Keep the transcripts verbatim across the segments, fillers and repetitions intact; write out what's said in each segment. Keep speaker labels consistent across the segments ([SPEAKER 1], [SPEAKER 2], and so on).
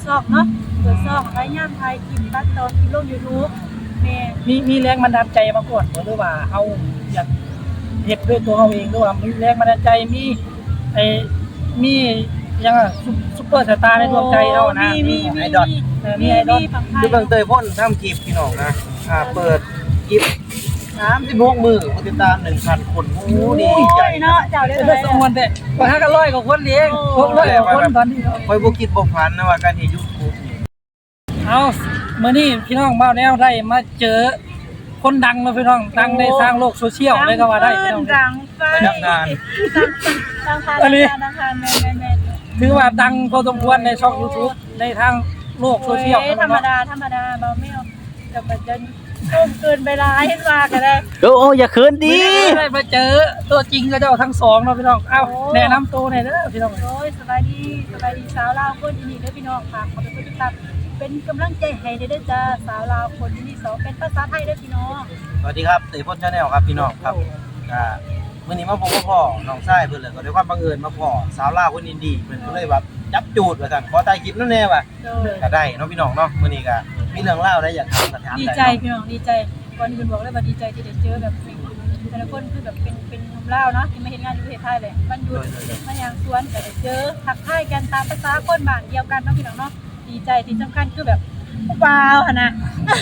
[SPEAKER 1] ซอกเนาะเปิดซอกพยายามถ่ายคลิปตัดต่อคลิปลง YouTube แม่
[SPEAKER 2] มีมีแรงบันดาลใจมาก่อนหรือว่าเฮาอยากเฮ็ดด้วยตัวเฮาเองหรือว่ามีแรงบันดาลใจมีไอ้มียังอ่ะซุปเปอร์สตาร์ในดวงใจเฮานะมีไอดอลมีไอดอล
[SPEAKER 3] คือเบิ่งเตยพ่นทำคลิปพี่น้องนะอ่าเปิดคลิปสามสิบหกมื้อผู้ติดตาม หนึ่งพัน คนโอ้โหดีใจ
[SPEAKER 1] เนาะเจ้าได้
[SPEAKER 2] ได้สมวนแต่ว่าหากันร้อยกว่าคนเองหกร้อยกว่าคนตอนนี้
[SPEAKER 3] คอยบ่คิดบ่ฝันนะว่าการเฮ็ด YouTube นี่
[SPEAKER 2] เอามื้อนี้พี่น้องบ้าวแนวได้มาเจอคนดังเนาะพี่น้องดังในทางโลกโซเชียลเลยก็ว่าได้พี่น้อง
[SPEAKER 1] ดังไฟ
[SPEAKER 3] ดังงาน
[SPEAKER 1] ดังทาน
[SPEAKER 2] อันนี้
[SPEAKER 1] ดังทานแม่ๆ
[SPEAKER 2] ถือว่าดังพอสมควรในช่อง YouTube ในทางโลกโซเชียล
[SPEAKER 1] ธรรมดาธรรมดาเบาไม่เอาจะมาจนต้มเกินไปร้ายเห็นว่าก็ได้
[SPEAKER 4] โอ้โอ้อย่าเขิน
[SPEAKER 2] ดี
[SPEAKER 4] ดิ
[SPEAKER 2] ได้มาเจอตัวจริงก็เจ้าทั้งสองเนาะพี่น้องเอ้าแนะนำตัวหน่อยเด้อพี่น้อง
[SPEAKER 1] โอ้ยสบายดีสบายดีสาวลาวคนที่นี่เด้อพี่น้องค่ะขอเป็นผู้ติดตามเป็นกำลังใจให้เด้อจ้าสาวลาวคนที่นี่สองเป็นภาษาไทยเด้อพี่น้อง
[SPEAKER 3] สวัสดีครับเตยพ่น Channel ครับพี่น้องครับอ่ามื้อนี้มาพบกับพ่อน้องชายเพิ่นเลยก็ด้วยความบังเอิญมาพ่อสาวลาวคนอินดี้เพิ่นก็เลยแบบจับจูดว่าซั่นขอถ่ายคลิปนั่นแน่ว่ะ ก็ได้เนาะพี่น้องเนาะมื้อนี้ก็มีเรื่องเล่าได้อยากถามก็ถาม
[SPEAKER 1] ดี
[SPEAKER 3] ได้
[SPEAKER 1] ใจพี่น้องดีใจก่อนอื่นบอกเลยว่าดีใจที่ได้เจอแบบแต่ละคนคือแบบเป็นเป็นหนุ่มลาวเนาะที่มาเห็นงานอยู่ประเทศไทยเลยวันหยุดมาอย่างสวนก็ได้เจอทักทายกันตามภาษาคนบ้านเดียวกันเนาะพี่น้องเนาะดีใจที่สำคัญคือแบบว้าวหั่นน่ะ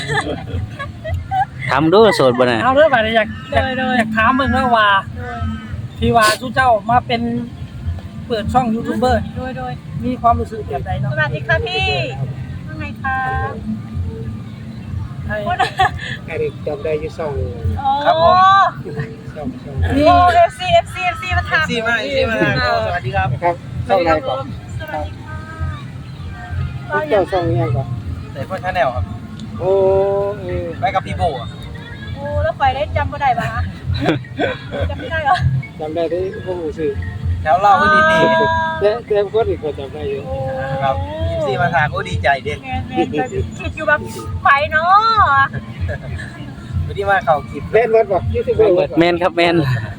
[SPEAKER 4] ทำดูโสดบ่น่ะ
[SPEAKER 2] เอาเด้อบัดนี้อยากอยาก
[SPEAKER 1] โดยๆ
[SPEAKER 2] อยากถามเบิ่งเนาะว่าที่ว่าชูเจ้ามาเป็นเปิดช่องยูทูบเบอร์
[SPEAKER 1] โดยโดย
[SPEAKER 2] มีความรู้สึกแบบใด
[SPEAKER 1] ส
[SPEAKER 2] เนาะ
[SPEAKER 1] วัสดีค่ะพี่ว่าไงคะ
[SPEAKER 2] ให้
[SPEAKER 5] ไอ้เด็กจำได้อยู่สอง
[SPEAKER 1] โอ้
[SPEAKER 5] สองสอง
[SPEAKER 2] มี
[SPEAKER 1] โอ้เอฟซีเอฟซีเอฟซีมาถาม
[SPEAKER 3] ซีมาซีมาสวัสดีครับ
[SPEAKER 5] นะครับสองไหนก่อน
[SPEAKER 1] สวัสดีค่ะ
[SPEAKER 5] พวกเจ้าสองยังก่อน
[SPEAKER 3] เตยพ่น Channel ครับ
[SPEAKER 5] โอ้เออ
[SPEAKER 3] ไปกับพี่โบอะ
[SPEAKER 1] โอ้แล้วไฟได้จำบ่ได้ปะคะจำไม่ได้เหรอ
[SPEAKER 5] จำได้ที่พวกหมูซื้อ
[SPEAKER 3] แถวเล่าก็ดีดี
[SPEAKER 5] แต่แต่คนอีกคนจำได้อยู่
[SPEAKER 1] โอ้
[SPEAKER 3] ครับซีมาทางก็ดีใจเด้
[SPEAKER 1] แมนแมนแบบคิดอยู่แบบไฟเนาะ
[SPEAKER 3] วันนี้มาเข้าคลิป
[SPEAKER 5] เล่นวัดบอกยี่สิบเอ็ดวัด
[SPEAKER 4] แมนครับแมน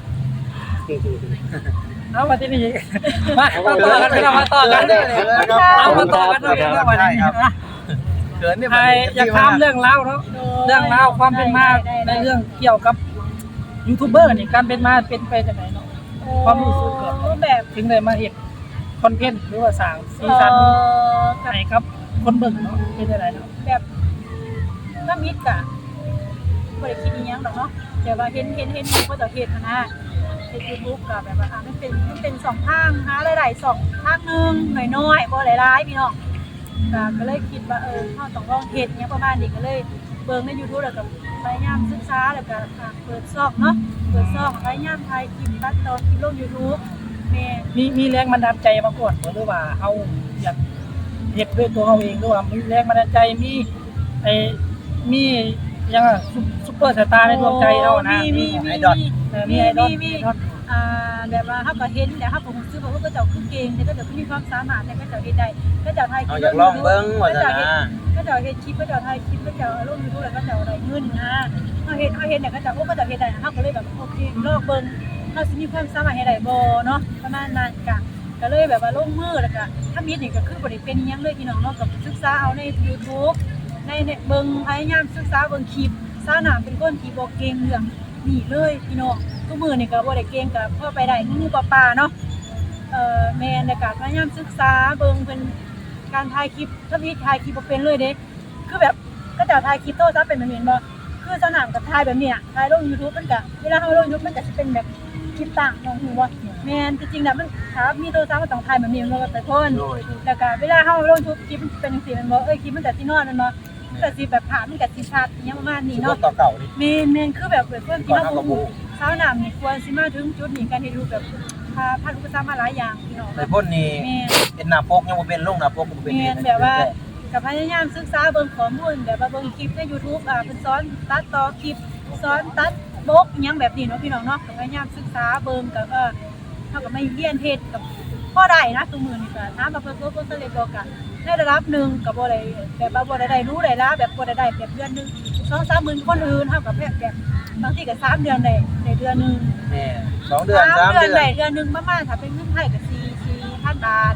[SPEAKER 2] เอามาที่นี่มามาต่อกันพี่น้องมาต่อกันเอามาต่อกันพี่น้องวันนี้นะ
[SPEAKER 3] เขินเนี่ย
[SPEAKER 2] ใครอยากถามเรื่องราวเนาะเรื่องราวความเป็นมาในเรื่องเกี่ยวกับยูทูบเบอร์นี่การเป็นมาเป็นไปจากไหนเนาะ ความรู้สึกแบบ
[SPEAKER 1] แบบ
[SPEAKER 2] ถึงได้มาเฮ็ดคอนเทนต์หรือว่าสร้างซีซั่นให้กับคนเบิ่งเนาะเป็นจังไดเนาะ
[SPEAKER 1] แบบน้ำมิดกะบ่ได้คิดอีหยังดอกเนาะแต่ว่าเห็นเห็นเห็นเขาจะเฮ็ดนะ ใน YouTube ก็แบบว่าอ่ะมันเป็นมันเป็นสองทางหาหลายๆสองทางนึงน้อยๆบ่หลายๆพี่น้องก็ก็เลยคิดว่าเออเฮาต้องลองเฮ็ดหยังประมาณนี้ก็เลยเบิ่งใน YouTube แล้วก็พยายามศึกษาแล้วก็อ่ะเปิดซอกเนาะเปิดซอกพยายามถ่ายคลิปตัดต่อคลิปลง YouTube แม่
[SPEAKER 2] มีมีแรงบันดาลใจมาก่อนหรือว่าเฮาอยากเฮ็ดด้วยตัวเฮาเองหรือว่ามีแรงบันดาลใจมีไอ้มียังอ่ะซุปเปอร์สตาร์ในดวงใจเฮานะ
[SPEAKER 1] มีมีมี
[SPEAKER 2] ไอดอลมีไอดอลมีไอดอล
[SPEAKER 1] อ่าแบบว่าเขาก็เห็นแต่เขาก็รู้สึกว่าเขาเจ้าคือเก่งแต่ก็เจ้าคือมีความสามารถแต่ก็เจ้าเฮ็ดได้ก็เจ้าไทยคลิ
[SPEAKER 3] เอา
[SPEAKER 1] ป
[SPEAKER 3] อยากลองเบิ้งว่าจะนะ
[SPEAKER 1] ก็เจ้าเฮ็ดคลิปก็เจ้าไทยคลิปก็เจ้าลง YouTube แล้วก็เจ้าได้เงินนะเขาเฮ็ดเขาเฮ็ดเนี่ยก็เจ้าโอ้ก็เจ้าเฮ็ดได้เขาก็เลยแบบโอเคลองเบิ่งเขาสิมีความสามารถเฮ็ดได้บ่เนาะประมาณนั้นก็ก็เลยแบบว่าลงมือแล้วก็ถ้ามีนี่ก็คือบ่ได้เป็นอิหยังเลยพี่น้องเนาะก็ศึกษาเอาใน YouTube ในเนี่ยเบิ่งพยายามศึกษาเบิ่งคลิปซาหนามเป็นคนที่บ่เก่งเรื่องนี่เลยพี่น้องทุกมื้อนี่ก็บ่ได้เก่งก็พอไปได้งูๆปลาๆเนาะเอ่อแม่นแล้วก็พยายามศึกษาเบิ่งเพิ่นการถ่ายคลิปถ้ามีถ่ายคลิปบ่เป็นเลยเด้คือแบบก็จะถ่ายคลิปโทรศัพท์เป็นแบบนี้บ่คือสนามกับถ่ายแบบนี้อ่ะถ่ายลง YouTube มันก็เวลาเฮาลง YouTube มันก็สิเป็นแบบคลิปต่างน้องฮู้บ่แม่นจริงๆน่ะมันถ้ามีโทรศัพท์มันต้องถ่ายแบบนี้มันบ่แต่คนแล้วก็เวลาเฮาลง YouTube คลิปมันเป็นจังซี่แม่นบ่เอ้ยคลิปมันก็สินอนแม่นบ่มันก็สิแบบภาพมันก็สิชัดอิหยังประมาณนี้
[SPEAKER 3] รถ
[SPEAKER 1] เนาะ
[SPEAKER 3] ต่อเก่านี่
[SPEAKER 1] เมนเมนคือแบบเปิดเพื่อนที่เราบูเช้าหนามนี่ควรสิมาถึงจุดนี้การที่ดูแบบพาพันอุปสรรคมาหลายอย่างพี่น้อง
[SPEAKER 3] เตยพ่นนี่
[SPEAKER 1] เมน
[SPEAKER 3] เป็นหน้าปกยังบ่เป็นลงหน้าปกบ่เป็น
[SPEAKER 1] เมนแบบว่ากับพยายามศึกษาเบิ่งข้อมูลแบบว่าเบิ่งคลิปใน YouTube อ่าเพิ่นสอนตัดต่อคลิปสอนตัดบกอิหยังแบบนี้เนาะพี่น้องเนาะก็พยายามศึกษาเบิ่งก็เออเฮาก็ไม่เรียนเฮ็ดกับพอได้นะตัวมือนี่ก็ถามว่าเพิ่นก็สำเร็จบ่ก็ในระดับหนึงก็บ่ได้แบบว่าบ่ได้ได้รู้ได้ละแบบบ่ได้ได้แบบเดือนนึง สองสามหมื่นคนอื่นเท่ากับแบบแบบบางทีก็สามเดือนได้ในเดือนหนึ่ง
[SPEAKER 3] แม่สองเดือนสาม
[SPEAKER 1] เดือน
[SPEAKER 3] เดือน
[SPEAKER 1] ได้เดือนหนึ่งประมาณถ้าเป็นเงินไทยก็สี่สี่พันบาท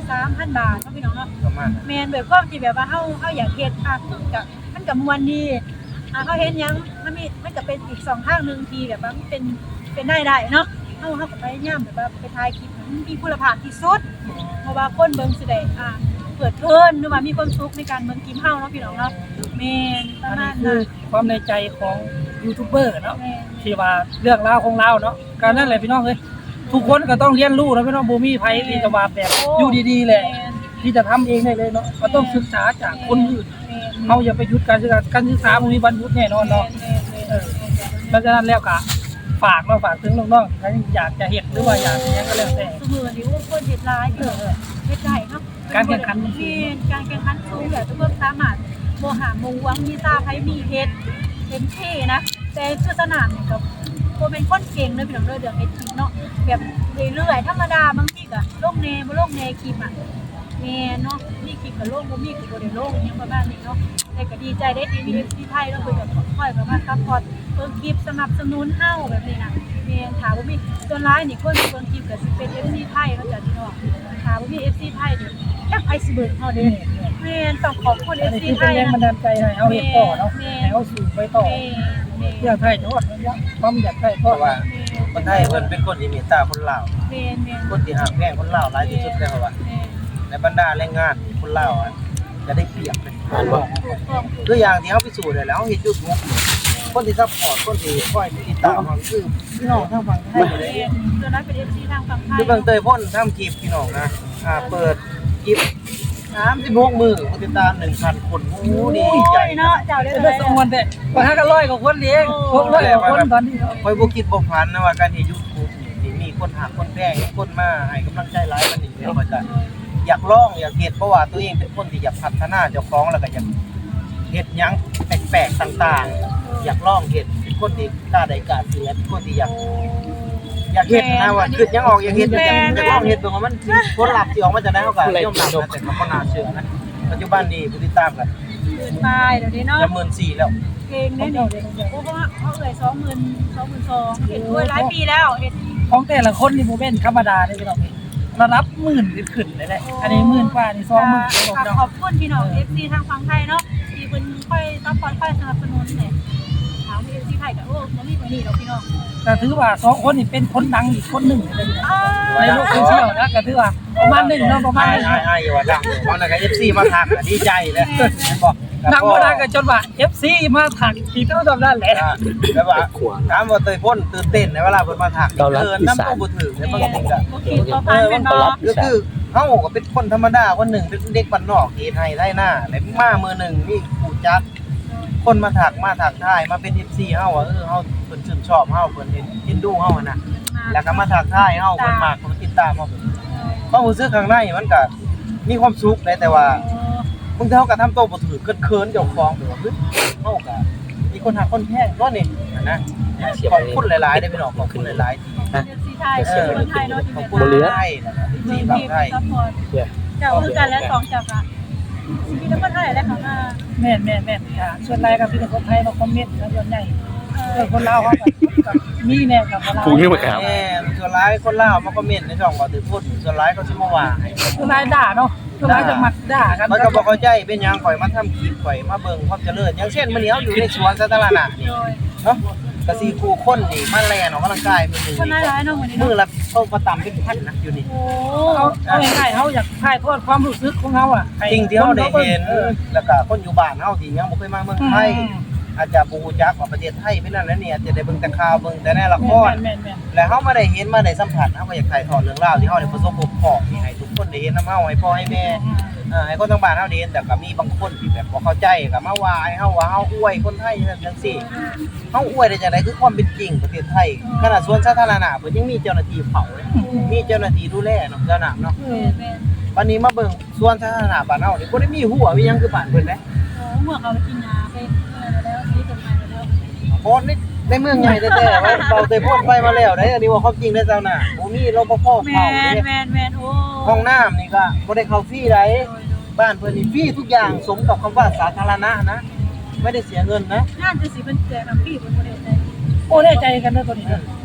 [SPEAKER 1] สามพันบาทเนาะพี่น้องเนาะ
[SPEAKER 3] ประมาณนั้น
[SPEAKER 1] แม่นด้วยความที่แบบว่าเฮาเฮาอยากเฮ็ดอ่ะก็มันก็ม่วนดีอ่ะเฮาเฮ็ดหยังมันมีมันก็เป็นอีกสองทางนึงที่แบบว่ามันเป็นเป็นได้ได้เนาะเฮาเฮาก็พยายามแบบว่าไปถ่ายคลิปให้มันมีคุณภาพที่สุดเพราะว่าคนเบิ่งสิได้อ่ะเปิดเพลินหรือว่ามีความสุขในการเบิ่งคลิปเฮาเนาะพี่น้องเนาะแม่นประ
[SPEAKER 2] อัน
[SPEAKER 1] มา
[SPEAKER 2] นี้
[SPEAKER 1] ณ
[SPEAKER 2] คื
[SPEAKER 1] นั้
[SPEAKER 2] อน ความในใจของยูทูบเบอร์เนาะ
[SPEAKER 1] แม่น
[SPEAKER 2] ที่ว่าเรื่องราวของเราเนาะการนั่นแหละพี่น้องเอ้ยทุกคนก็ต้องเรียนรู้นะพี่น้องบ่มีไผที่จะว่าแบบอยู่ดีๆแหละ
[SPEAKER 1] แม่น
[SPEAKER 2] ที่จะทำเองได้เลยเนาะก็ต้องศึกษาจากคนอื่น
[SPEAKER 1] แม่น
[SPEAKER 2] เฮาอย่าไปหยุดการศึกษาการศึกษาบ่มีบรรยุแน่นอนเนาะ
[SPEAKER 1] แม่นแม่นแม่น
[SPEAKER 2] เพราะฉะนั้นแล้วก็ฝากเนาะฝากถึงน้องๆที่อยากจะเฮ็ดหรือว่าอยากจะหยังก็แล้วแต่
[SPEAKER 1] สมือนี่ว่าคนเฮ็ดหลายพี่น้องเฮ็ดได้เนาะ
[SPEAKER 2] การแข่งขันมันสู
[SPEAKER 1] มี
[SPEAKER 2] ง
[SPEAKER 1] การแข่งขันสูงแบบทุกคนสามารถโมหาโมหวังมีซาไผมีเฮ็ดเต็มที่นะแต่คือสนามนี่ก็บ่เป็นคนเก่งเด้อพี่น้องเด้อเรื่องเฮ็ดคลิปเนาะแบบเรื่อยๆธรรมดาบางทีก็ลงแน่บ่ลงแน่คลิปอ่ะแม่เนาะมีคลิปก็ลงบ่มีก็บ่ได้ลงอิหยังประมาณนี้เนาะแต่ก็ดีใจได้ที่มี เอฟ ซี ไทยแล้วเพิ่นก็ค่อยๆเข้ามาซัพพอร์ตเบิ่งคลิปสนับสนุนเฮาแบบนี้นะแม่นถ้าบ่มีส่วนหลายนี่คนที่เบิ่งคลิปก็สิเป็น เอฟ ซี ไทยเนาะจ้ะพี่น้องถ้าบ่มี เอฟ ซี ไทยนี่จักไผสิเบิ่งเฮาเด้แม่นต้องขอบคุณ เอ
[SPEAKER 2] อัน
[SPEAKER 1] ฟ
[SPEAKER 2] นี้
[SPEAKER 1] ซี
[SPEAKER 2] คือ
[SPEAKER 1] ไท
[SPEAKER 2] เป็น
[SPEAKER 1] ย
[SPEAKER 2] แรง
[SPEAKER 1] นะ
[SPEAKER 2] บันดาลใจให้เฮาเฮ็ดต่อเนาะให้เฮาสู่ไปต่อ
[SPEAKER 1] แม่แม่
[SPEAKER 2] เพื่อไทยจังหวัดระยะความอยากได้
[SPEAKER 3] เพ
[SPEAKER 2] ก็
[SPEAKER 3] ราะว่า
[SPEAKER 1] แม่
[SPEAKER 3] คนไทยเพิ่นเป็นคนที่เมตตาคนลาว
[SPEAKER 1] แม่แม่
[SPEAKER 3] คนที่หักแพงคนลาวหลายที่สุดแล้วว่า
[SPEAKER 1] แม่
[SPEAKER 3] ในบรรดาแรงงานคนลาวอะจะได้เปรียบเป็น
[SPEAKER 5] อ่านบ่
[SPEAKER 1] ถูกต้องถูก
[SPEAKER 3] ตัวอย่างที่เฮาพิสูจน์ได้แล้วเฮาเฮ็ด YouTube คนที่ซัพพอร์ตคนที่คอยติดตามเราคือพี่น้องทางฝั่งไทยเล
[SPEAKER 1] แม่
[SPEAKER 3] ย
[SPEAKER 1] ส่วนนั้นเป็น เอฟ ซี ทางฝั่งไทย
[SPEAKER 3] คือเบิ่งเตยพ่นทำคลิปพี่น้องนะอ่าเปิดคลิปสามสิบหกมื้อผู้ติดตาม หนึ่งพัน คนโอ้ดีใจ
[SPEAKER 1] เนาะเจ้าได้
[SPEAKER 2] จะ
[SPEAKER 1] เล
[SPEAKER 2] ได้
[SPEAKER 1] ย
[SPEAKER 2] สองวันแต่ว่าหากันร้อยกว่าคนเองหกร้อยกว่าคนตอนนี้เนาะ
[SPEAKER 3] คอยบ่คิดบ่ฝันนะว่าการเฮ็ด YouTube นี่มีคนหักคนแพงมีคนมาให้กำลังใจหลายมันนี่แล้วว่าจะอยากลองอยากเฮ็ดเพราะว่าตัวเองเป็นคนที่อยากพัฒนาเจ้าของแล้วก็อยากเฮ็ดหยังแปลกๆต่างๆ อยากลองเฮ็ดเป็นคนที่กล้าได้กล้าเสียเป็นคนที่อยากอยากเฮ็ดนะว่าคิดหยังออกอยากเฮ็ดอยากอยากลองเฮ็ดเบิ่งว่ามันผลลัพธ์ที่ออกมาจะได้เฮาก็ยอมรับนะแต่ก็บ่น่าเชื่อนะปัจจุบันนี้ผู้ติดตามก็
[SPEAKER 1] หมื่นปลายเดี๋ยวนี้เนาะ
[SPEAKER 3] จะหมื่นสี่แล้ว
[SPEAKER 1] เพลงได้นี่โอ้เพราะว่าเขาเอ่ยสองหมื่นสองหมื่นสองเห็นด้วยหลายปีแล้วเห็น
[SPEAKER 2] ของแต่ละคนนี่บ่แม่นธรรมดาเด้พี่น้องระดับหมื่นขึ้นเลยแหละอันนี้หมื่นกว่านี่สองหมื่นพี่น้อง
[SPEAKER 1] ขอบคุณพี่น้อง เอฟ ซี ทางฝั่งไทยเนาะที่เพิ่นค่อยซัพพอร์ตค่อยสนับสนุนเนี่ยถาม เอฟ ซี ไทยก็โอ้บ่มีบ่นี่ดอกพี่น้อง
[SPEAKER 2] ก็ถือว่าสองคนนี่เป็นคนดังอีกคนหนึ่งเลยนะ
[SPEAKER 1] อ้า
[SPEAKER 2] ในโลกโซเชียลนะก็ถือว่าประมาณหนึ่งเนาะประมาณ
[SPEAKER 3] ใช่
[SPEAKER 2] หนึ่ง
[SPEAKER 3] ใช่ใช่อย่าว่าดังเพราะนั่นก็ เอฟ ซี มาทักอะดีใจเลยบอก
[SPEAKER 2] ดังบ่ดังก็จนว่า เอฟ ซี มาถักที่เท่าจำนั้นแหละ
[SPEAKER 3] แบบว่าถามว่าเตยพ่นตื่นเต้นในเวลาเพิ่นมาทักเกินน้ำตัวบ่ถึงในบางทีก็
[SPEAKER 1] บ่คิดบ่ฝันแม่นบ่
[SPEAKER 3] ก็คือเฮาก็เป็นคนธรรมดาคนหนึ่งเป็นเด็กบ้านนอกเฮ็ดให้ไร่หน้าแล้วมามือหนึ่งมีผู้จักคนมาทักมาทักทายมาเป็น เอฟ ซี เฮาว่าเออเฮาเพิ่นชื่นชอบเฮาเพิ่นเห็นเห็นดูเฮาอะนะแล้วก็มาทักทายเฮาเพิ่นมากเพิ่นติดตามเฮาความรู้สึกข้างในมันก็มีความสุขแต่ว่า บางทีเขาก็ทำตัวบ่ถือเคินๆเจ้าของแบบว่าเฮ้ยเขาก็มีคนหาคนแพงเนาะนี่นะขอบคุณหลายๆได้อพี่น้องขอบคุณหลายๆที่
[SPEAKER 1] เอฟ ซี ไทยคนไทยเนาะที่
[SPEAKER 3] ขอบ
[SPEAKER 1] เป็น
[SPEAKER 3] คุณหลายๆนะครับที่
[SPEAKER 1] ที
[SPEAKER 3] บาง
[SPEAKER 1] ม
[SPEAKER 3] ไทย
[SPEAKER 1] ซัพพอร์ตเจ้าคือกันและสองเจ้าค่ะชีวิตคนไทยและของอ่า
[SPEAKER 2] แม่นแม่นแม่นค่ะส่วนรายกับพี่น้องคนไทยมาคอมเมนต์นะส่วนใหญ่เออคนลาวเขาก็มีแน่กับเรา
[SPEAKER 5] ถูกนี่บ่ครับ
[SPEAKER 3] แม่ส่วนร้ายคนลาวมาคอมเมนต์ในช่องว่าถือพูดส่วนร้ายเขาสิมาว่าให้
[SPEAKER 2] ส่วนรายด่าเนาะส่วนรายจะมักด่ากัน
[SPEAKER 3] มันก็บ่เข้าใจเป็นหยังข่อยมาทำคลิปข่อยมาเบิ่งความเจริญอย่างเช่นมื้อนี้เฮาอยู่ในสวนสาธารณะนี่
[SPEAKER 1] โดย
[SPEAKER 3] เนาะก็สิคู่คนนี่มาแล่นออกกำลังกายมื้อนึง
[SPEAKER 1] คนหลายๆเนาะมื้อนี้
[SPEAKER 3] มื้อ
[SPEAKER 1] เนาะ
[SPEAKER 3] ละเท่าประตำเป็นพันนะอยู่นี่
[SPEAKER 1] โอ้
[SPEAKER 2] เขาเอาง่ายๆเขาอยากถ่ายทอดความรู้สึกของเขาอ่ะให้
[SPEAKER 3] จริงที่เราได้เห็น
[SPEAKER 2] ออ
[SPEAKER 3] แล้วก็คนอยู่บ้านเฮาที่ยังบ่เคยมาเมืองไทยอาจจะบ่ฮู้จักว่าประเทศไทยเป็นนั่นแล้วนี่อาจจะได้เบิ่งแต่ข่าวเบิ่งแต่ในละคร
[SPEAKER 2] แม่นแม่น
[SPEAKER 3] แล้วเฮามาได้เห็นมาได้สัมผัสเฮาก็อยากถ่ายทอดเรื่องราวที่เฮาได้ประสบพบพ่อนี่ให้ทุกคนได้เห็นนำเฮาให้พ่อให้แม่เอ่อให้คนทั้งบ้านเฮาได้เห็นแต่ก็มีบางคนที่แบบบ่เข้าใจก็มาว่าให้เฮาว่าเฮาอวยคนไทยจังซี่เฮาอวยได้จังได๋คือความเป็นจริงประเทศไทยขนาดสวนสาธารณะเพิ่นยังมีเจ้าหน้าที่เฝ้าเลยมีเจ้าหน้าที่ดูแลเนาะเจ้าหน้าเนาะ
[SPEAKER 1] แม่แม่
[SPEAKER 3] วันนี้มาเบิ่งสวนสาธารณะบ้านเฮานี่บ่ได้มีหัวมีหยังคือบ้านเพิ่นเด้
[SPEAKER 1] โอ้เมื่อเขาไปกินยาไปอะไรแล้วนี่จดหมายแล้ว
[SPEAKER 3] โพสต์ในในเมืองใหญ่แท้ๆว่าเบาเตยโพสต์ไปมาแล้วได้อันนี้ว่าความจริงได้อเจ้าหน้าบ่มีรปภ
[SPEAKER 1] แม
[SPEAKER 3] เข้าน เลย
[SPEAKER 1] แมนแมนโอ้
[SPEAKER 3] ห้องน้ำนี่ก็บ่ได้เข้าฟรีไดบ้านเพิ่นนี่ฟรีทุกอย่างสมกับคำว่าสาธารณะนะไม่ได้เสียเงินนะ
[SPEAKER 1] งานจะสิเป็นแจกน้ำพี่บนประเทศไทย
[SPEAKER 2] โอ้แน่ใจกันเด้อตัวนี้เด้อ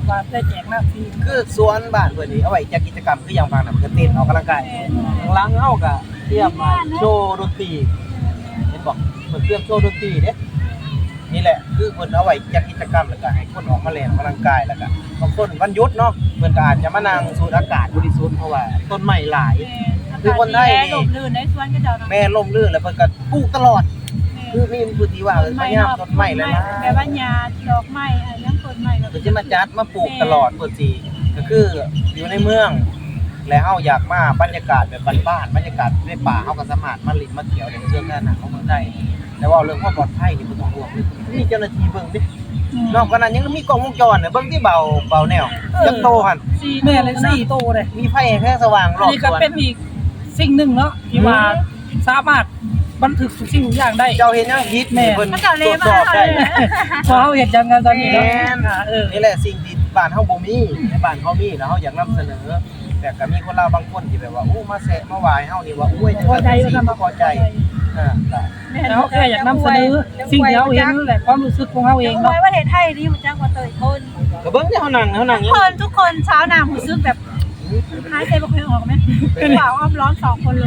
[SPEAKER 2] ว่าได้แจกหน้าฟรี
[SPEAKER 3] คือสวนบ้านเพิ่นนี่เอาไว้จัดกิจกรรมคืออย่างบางน่ะมันก็เต้นออกกำลังกายข้างหลังเฮาก็เตรียมมาโชว์ดนตรีเห็นบ่เพิ่นเตรียมโชว์ดนตรีเด้นี่แหละคือเพิ่นเอาไว้จัดกิจกรรมแล้วก็ให้คนออกมาเล่นออกกำลังกายแล้วก็บางคนวันหยุดเนาะเพิ่นก็อาจจะมานั่งสูดอากาศบริสุทธิ์เพราะว่าต้นไม้หลาย คือคนไทยนี่
[SPEAKER 1] ลมลื่นในสวนก็เจ้าเนาะ
[SPEAKER 3] แม่ล่มลื่นแล้วเพิ่นก็ปลูกตลอดคือมีผู้ที่ว่าเออพยายามต้นไม้หลายๆ
[SPEAKER 1] แบบว่าหญ้าดอกไม้อะไรยังต้นไม้แบบ
[SPEAKER 3] เพิ่นจะมาจัดมาปลูกตลอดเพิ่นสิก็คืออยู่ในเมือง แล้วเฮาอยากมาบรรยากาศแบบบ้านๆบรรยากาศในป่าเฮาก็สามารถมาลินมาเที่ยวได้เรื่องนั้นน่ะของเมืองได้แต่ว่าเรื่องความปลอดภัยนี่บ่ต้องห่วงเลยมีเจ้าหน้าที่เบิ่งดินอกจากนั้นยังมีกล้องวงจรน่ะเบิ่งที่เบาเบาแนวจังโตหั่น
[SPEAKER 2] สี่แม่เลยสี่โตเลย
[SPEAKER 3] มีไฟแค่สว่างร
[SPEAKER 2] อั
[SPEAKER 3] อน บ
[SPEAKER 2] นี้
[SPEAKER 3] ส
[SPEAKER 2] ก็
[SPEAKER 3] วน
[SPEAKER 2] เป็นอีกสิ่งหนึ่งเนาะที่ว่าสามารถบันทึกทุกสิ่งทุกอย่างได้
[SPEAKER 3] เจ้าเห็นยังฮิตนี่เพิ่น
[SPEAKER 1] มันเจ้า
[SPEAKER 3] ต
[SPEAKER 1] เล
[SPEAKER 3] รวจ
[SPEAKER 1] มา
[SPEAKER 3] สอบได้
[SPEAKER 2] พอเฮาเฮ็ดจังกันตอนนี้เนาะ
[SPEAKER 3] แม่น
[SPEAKER 2] อ่าเออ
[SPEAKER 3] นี่แหละสิ่งที่บ้านเฮาบ่มีในบ้านเฮามีแล้วเฮาอยากนำเสนอ แต่ก็มีคนลาวบางคนที่แบบว่าโอ้มาแซะมาหวายเฮานี่ว่าอุ้ยจัง
[SPEAKER 2] พอใจ
[SPEAKER 3] สิ
[SPEAKER 2] ว่าทำ
[SPEAKER 3] บ่พอใจอ่าก็
[SPEAKER 2] แล้วแค่อยากนำเสนอสิ่งที่เฮาเห็นแหละความรู้สึกของเฮาเอง
[SPEAKER 1] น้อ
[SPEAKER 2] เนาะ
[SPEAKER 1] ยว่าประเทศไทยนี่มันจังว่าเตยคน
[SPEAKER 3] ก็เบิ่งที่เฮานั่งเฮานั่ง
[SPEAKER 1] ทุ
[SPEAKER 3] ยั
[SPEAKER 1] ก
[SPEAKER 3] ง
[SPEAKER 1] คนทุกคนเช้าน้ำหูซึกแบบหายใจบ่ค่อยออกไหมเป็นบ่าวอ้อมล้อมสองคนเลย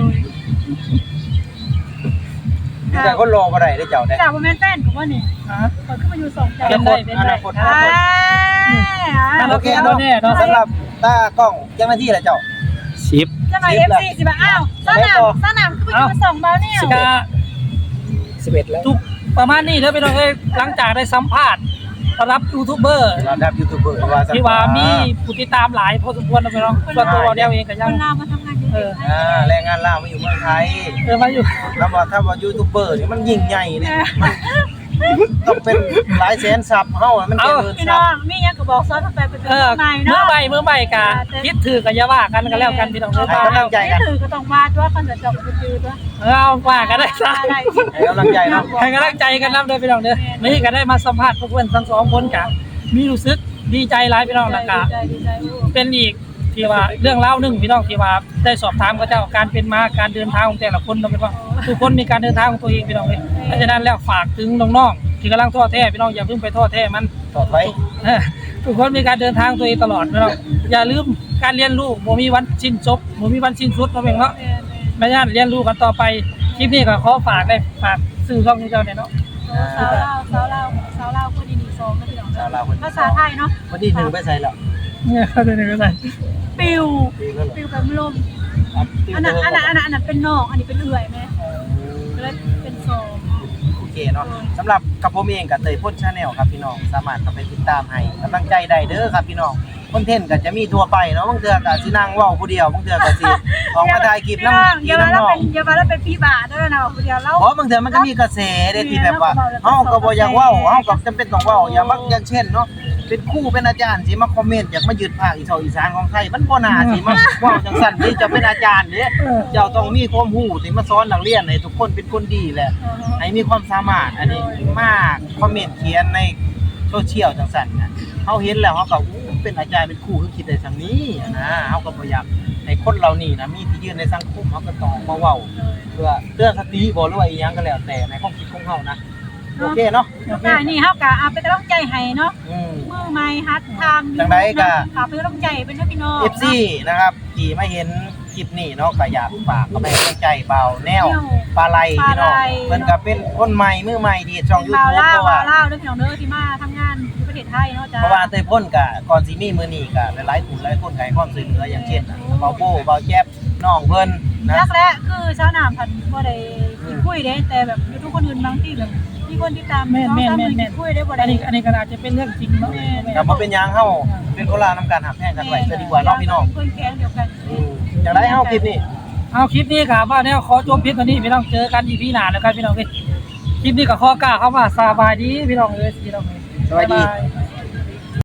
[SPEAKER 3] มีแต่คนรอบ่ได้เด้อเจ้าเด้
[SPEAKER 1] จากบ่แม่นแฟนก็ว่านี่
[SPEAKER 2] ฮะ
[SPEAKER 1] เปิดขึ้นมาอยู่สองใจ
[SPEAKER 2] เป็นได้เป็นได้
[SPEAKER 1] อ่า
[SPEAKER 3] โอเคเนาะสำหรับตากล้องเจ้าหน้าที่ล่ะเจ้า
[SPEAKER 5] สิบ
[SPEAKER 1] จะมา เอฟ ซี สิบ่อ้าวสนามสนามคือไปอยู่มาส่งเบาเนี่ย
[SPEAKER 2] สิกา
[SPEAKER 5] สิบเอ็ดแล้ว
[SPEAKER 2] ทุกประมาณนี้เด้อพี่น้องเอ้ยหลังจากได้สัมภาษณ์รับยูทูบเบอร์
[SPEAKER 3] ระดับยูทูบเบอร์ว่าซั่น
[SPEAKER 2] ที่ว่ามีผู้ติดตามหลายพอสมควรนะพี่น้องส่วนตัวเราเดียวเองก็
[SPEAKER 1] ค
[SPEAKER 2] ยัง
[SPEAKER 1] นลาวมาทำงานอยู่
[SPEAKER 2] เออ
[SPEAKER 3] อ่าแรงงานลาวมาอยู่เมืองไทย
[SPEAKER 2] เออมาอยู่
[SPEAKER 3] ถ้าว่าถ้าว่ายูทูบเบอร์นี่มันยิ่งใหญ่นี่มันต้องเป็นหลายแสนซับเฮามันเป็นหมื่น
[SPEAKER 1] พี่
[SPEAKER 3] ซั
[SPEAKER 1] น้
[SPEAKER 3] บ
[SPEAKER 1] องมีหยังก็บอกซ้อนไปเป็น
[SPEAKER 2] เออ
[SPEAKER 1] ใหม่
[SPEAKER 2] เมื่อ
[SPEAKER 1] เนาะ
[SPEAKER 2] ใหม่เมื่อใหม่กะคิดถือกับยาว่ากันกันแล้วกันพี่น้องเอ้ย
[SPEAKER 3] ให้กำลังใจกัน
[SPEAKER 1] ถือก็ต้องมาด้วยคอนเสิร์ตจบก็คือด้วย
[SPEAKER 2] เออเอาว่ากันได้ซะ
[SPEAKER 1] ได้
[SPEAKER 3] ให้กำลังใจเนาะ
[SPEAKER 2] ให้กำลังใจกันนำเด้อพี่น้องเด้อนี่ก็ได้มาสัมภาษณ์พวกเพื่อนทั้งสองคนกะมีรู้สึกดีใจหลายพี่น้องแล้วกะ
[SPEAKER 1] ดีใจดีใจโอ้
[SPEAKER 2] เป็นอีกที่ว่าเรื่องเล่าวหนึงพี่น้องที่ว่าได้สอบถามกับเจ้าการเป็นมาการเดินทางของแต่ละคนเนาะพี่น้องทุกคนมีการเดินทางของตัวเองพี่น้องเอ้ยเพราะฉะนั้นแล้วฝากถึงน้องๆที่กำลังท้อแท้พี่น้องอย่าเพิ่งไปท้อแท้มัน
[SPEAKER 3] ต่อไป
[SPEAKER 2] เออทุกคนมีการเดินทางตัวเองตลอดพี่น้องอย่าลืมการเรียนรู้บ่มีวันสิ้นจบบ่มีวันสิ้นสุดเนาะเองเนาะ
[SPEAKER 1] แม่แม่
[SPEAKER 2] แม่ย่านเรียนรู้กันต่อไปคลิปนี้ก็ขอฝากได้ฝากสื่อช่องนี้เจ้าเนี่ยเนาะ
[SPEAKER 1] สาวลาวสาวลาวสาวลาวคนดีดีซองนะพี่น้อง
[SPEAKER 3] สาวลาวคน
[SPEAKER 1] ภาษาไทยเนาะ
[SPEAKER 3] วันที่หนึ่งไปใส่แล้ว
[SPEAKER 2] เนี่ยเขาเดินไปใส่
[SPEAKER 1] ปิว
[SPEAKER 3] ปีแล้วเหรอ
[SPEAKER 1] ปิวแบบลมอันนั้นอันนั้นอันนั้นอันนั้นเป็นนอกอันนี้เป็นเอื่อยไหมแล้วเป็นซอง
[SPEAKER 3] โอเคเนาะสำหรับกับผมเองกับเตยพ่นชาแนลครับพี่น้องสามารถเข้าไปติดตามให้กำลังใจได้เด้อครับพี่น้องคอนเทนต์ก็จะมีทั่วไปเนาะบางเทื่อก็สินั่งเว้าผู้เดียวบางเทื่อก็สิออกมาถ่ายคลิปนำ
[SPEAKER 1] อย่ามาแล้วเป็นอย่ามาแล้วเป็นพี่บาด้วยนะเดี๋ยวเรา
[SPEAKER 3] เพราะบางเทื่อมันก็มีกระแสเด้ที่แบบว่าเฮาก็บ่อยากเว้าเฮาก็จำเป็นต้องเว้าอย่างมักอย่างเช่นเนาะเป็นครูเป็นอาจารย์สิมาคอมเมนต์อยากมายึดภาคอีสานอีสานของไทยมันบ่น่าสิมาเว้าจังซั่นนี่จะเป็นอาจารย์เด้เจ้าต้องมีความรู้ที่มาสอนนักเรียนให้ทุกคนเป็นคนดีแหละ ให้มีความสามารถอันนี้มากคอมเมนต์เขียนในโซเชียลจังซั่นน่ะเฮาเห็นแล้วเฮาก็อู้เป็นอาจารย์เป็นครูคือคิดได้ซั่นนี้นะเฮาก็บ่อยากให้คนเหล่านี้นะมีที่ยืนในสังคมเฮาก็ต้องออกมาเว้าเพื่อเตือนสติบ่หรือว่าอีหยังก็แล้วแต่ในความคิดของเฮานะโอเคเนาะ
[SPEAKER 1] อ่านี่เฮากะเอาไปกำลังใจให้เนาะ
[SPEAKER 3] อืม
[SPEAKER 1] มือไม้ฮัดทำ
[SPEAKER 3] จังใดก็
[SPEAKER 1] ฝากเป็นกำลังใจเป็นพี่น้อง
[SPEAKER 3] เอฟ ซี นะครับที่มาเห็นคลิปนี้เนาะก็อยากฝากเข้าไปให้กำลังใจเบาแนวปลาไหลพี่น้องเพิ่นก็เป็นคนใหม่มือใหม่ที่ช่อง
[SPEAKER 1] เป็นบ่าว
[SPEAKER 3] YouTube
[SPEAKER 1] ล่า
[SPEAKER 3] เพราะ
[SPEAKER 1] บ่า
[SPEAKER 3] ว่า
[SPEAKER 1] วล่าเด้อพี่น้องเด้อที่มาทำงานอยู่ประเทศไทยเนาะจ้า
[SPEAKER 3] เพราะว่าเตยพ่นกะก่อนสิมีมื้อนี้กะหลายๆผู้หลายคนก็ให้ความช่วยเหลืออย่างเช่นเบาโบเบาแจ๊บน้องเพิ่นนะ
[SPEAKER 1] รักและคือชาวนาพันบ่ได้กินคุยเด้แต่แบบอยู่ทุกคนอื่นบางที่แบบมีคนที่ตาม
[SPEAKER 2] แม่นแม่นแม่นแม่น
[SPEAKER 1] คุยได้บ่
[SPEAKER 2] อั
[SPEAKER 1] ได้
[SPEAKER 2] นนี้อันนี้ก็อาจจะเป็นเรื่องจริงเนาะ
[SPEAKER 3] ก็บ่เป็นหยังเฮาเป็นคนลาวนํการหักแพงกันไว้ซะดีกว่าเนาะพี่น้อง
[SPEAKER 1] คนแค้นเดียวกัน
[SPEAKER 3] อืมจังได๋เฮาคลิปนี้
[SPEAKER 2] เอาคลิปนี้ครับว่าแนวขอจบคลิปตัวนี้พี่น้องเจอกันอีพีหน้าแล้วกันพี่น้องเอ้ยคลิปนี้ก็ขอกล่าวเข้ามาสบายดีพี่น้องเอ้ยพี่น้องเอ้ย
[SPEAKER 3] สวัสดี
[SPEAKER 2] บ๊ายบาย